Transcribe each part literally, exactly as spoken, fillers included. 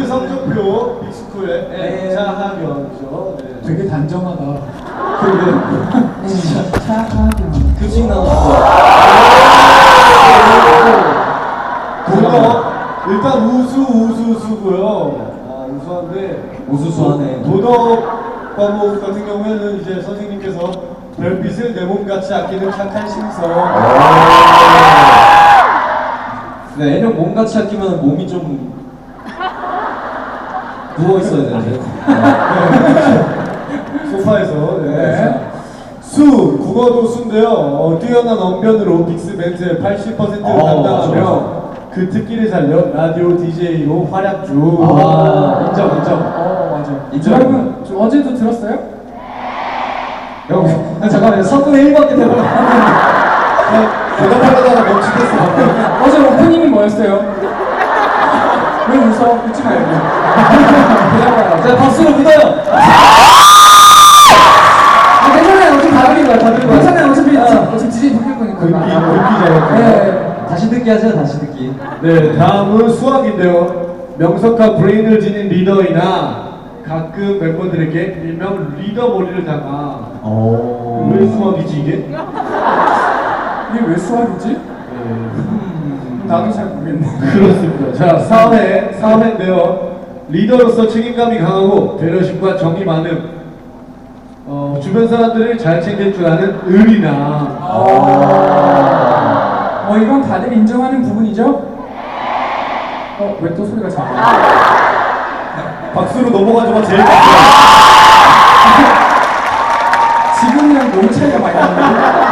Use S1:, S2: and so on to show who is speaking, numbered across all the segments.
S1: 성적표 빅스쿨의 차하견이죠. 네.
S2: 되게 단정하다.
S1: 그리고
S2: 진짜 차하견.
S3: 급식 나왔어.
S1: 도덕 일단 우수 우수 우수고요. 아, 우수한데
S3: 우수수하네.
S1: 도덕 과목 같은 경우에는 이제 선생님께서 별빛을 내 몸같이 아끼는 착한 심성.
S3: 네, 애는 몸같이 아끼면 몸이 좀 누워 있어야 되는데.
S1: 소파에서. 네.
S2: 네.
S1: 수 국어도 수인데요. 어, 뛰어난 언변으로 빅스 멘트의 팔십 퍼센트를
S3: 어,
S1: 담당하며
S3: 맞아, 맞아.
S1: 그 특기를 살려 라디오 디제이로 활약 중.
S3: 아, 인정, 인정.
S2: 어 맞아.
S3: 인정.
S2: 여러분 저 어제도 들었어요?
S3: 여러분, 잠깐만요. 삼분의 일밖에 되나?
S1: 대답하다가 멈추겠어.
S2: 어제 오프닝이 뭐였어요? 왜 웃어? 웃지 말고. 대답하라.
S3: 자, 박수로 믿어요.
S2: 아, 괜찮아요. 어차피 다 들린 거야. 다 들린 거야. 괜찮아요. 어차피
S3: 아.
S2: 어차피 디제이 바뀔 거니까.
S1: 글귀, 글귀잖아요.
S2: 네.
S3: 다시 듣기 하세요, 다시 듣기.
S1: 네, 다음은 수학인데요. 명석한 브레인을 지닌 리더이나 가끔 멤버들에게 일명 리더 머리를 당하.
S3: 오.
S1: 왜 수학이지 이게?
S2: 이게 왜 수학이지?
S1: 네.
S2: 나도 잘 모르겠네.
S1: 그렇습니다. 자, 사 회, 사 회인데요. 리더로서 책임감이 강하고 배려심과 정이 많음. 어, 주변 사람들을 잘 챙길 줄 아는 의리나.
S2: 어, 이건 다들 인정하는 부분이죠? 어, 왜 또 소리가 작아?
S1: 박수로 넘어가지마 제일 좋아요.
S2: 지금이랑 너무 차이가 많이 나는데.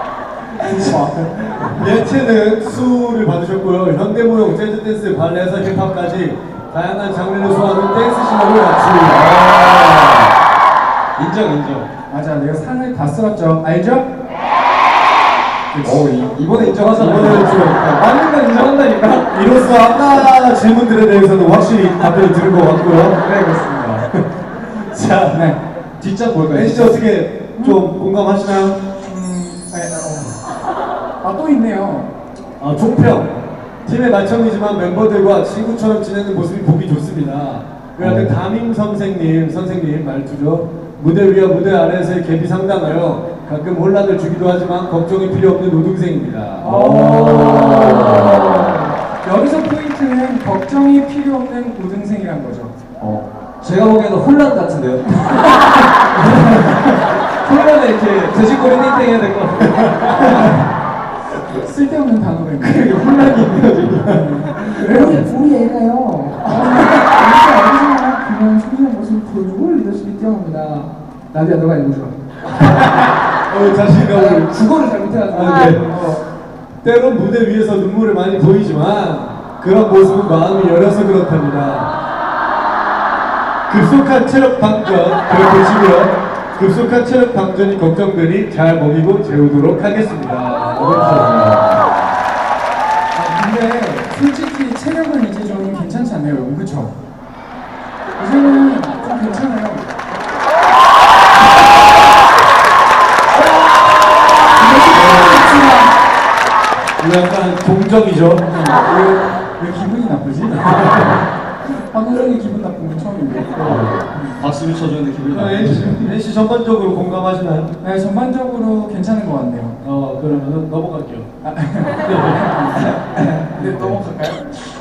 S1: 예체능 수를 받으셨고요. 현대무용, 재즈 댄스, 발레에서 힙합까지 다양한 장르를 소화하는 댄스 실력을 갖추고.
S3: 인정, 인정.
S2: 맞아, 내가 상을 다 쓸었죠. 알죠?
S3: 오, 이, 이번에 인정하잖아.
S1: 이번에는 좀
S3: 맞는 건 인정한다니까.
S1: 이로써 아까 질문들에 대해서는 확실히 답변을 들은 것 같고요.
S2: 네, 그렇습니다.
S1: 자,
S2: 네.
S3: 뒷장 뭘까요?
S1: 벤씨 어떻게 좀 공감하시나요?
S2: 음, 네, 어. 아, 또 있네요.
S1: 아, 총평. 팀의 맏형이지만 멤버들과 친구처럼 지내는 모습이 보기 좋습니다. 그런데 담임 선생님, 선생님 말투죠. 무대 위와 무대 아래에서의 갭이 상당하여 가끔 혼란을 주기도 하지만 걱정이 필요 없는 노동생입니다.
S2: 여기서 포인트는 걱정이 필요 없는 고등생이란 거죠.
S3: 어, 제가 보기에는 혼란 같은데요. 혼란에 이렇게 돼지꼬리 띵띵 해야 될 것 같아요.
S2: 쓸데없는 단어가 있네.
S3: 그게 혼란이 있네요, 지금.
S2: 우리, 우리 애가요. 진짜 어디서나 그냥 소중한 모습을 보여주고 리더십이 뛰어납니다. 나디야, 너가 읽어줘.
S1: 어, 자신감을.
S2: 국어를 잘 못해가지고.
S1: 아, 네. 어, 때론 무대 위에서 눈물을 많이 보이지만 그런 모습은 마음이 열려서 그렇답니다. 급속한 체력 방전, 그걸 보시고요. 급속한 체력 방전이 걱정되니 잘 먹이고 재우도록 하겠습니다.
S2: 아, 근데 솔직히 체력은 이제 좀 괜찮지 않나요, 여러분? 그쵸? 이제는 좀 괜찮아요.
S1: 약간 동정이죠.
S2: 왜, 왜 기분이 나쁘지? 황호정이 기분 나쁜 건 처음인데.
S3: 박수를 쳐주는데 기분이
S1: 아,
S3: 나쁘죠.
S1: 엔씨, 엔씨 전반적으로 공감하시나요?
S2: 네, 전반적으로 괜찮은 것 같네요.
S1: 어, 그러면 넘어갈게요.
S2: 네, 넘어갈까요?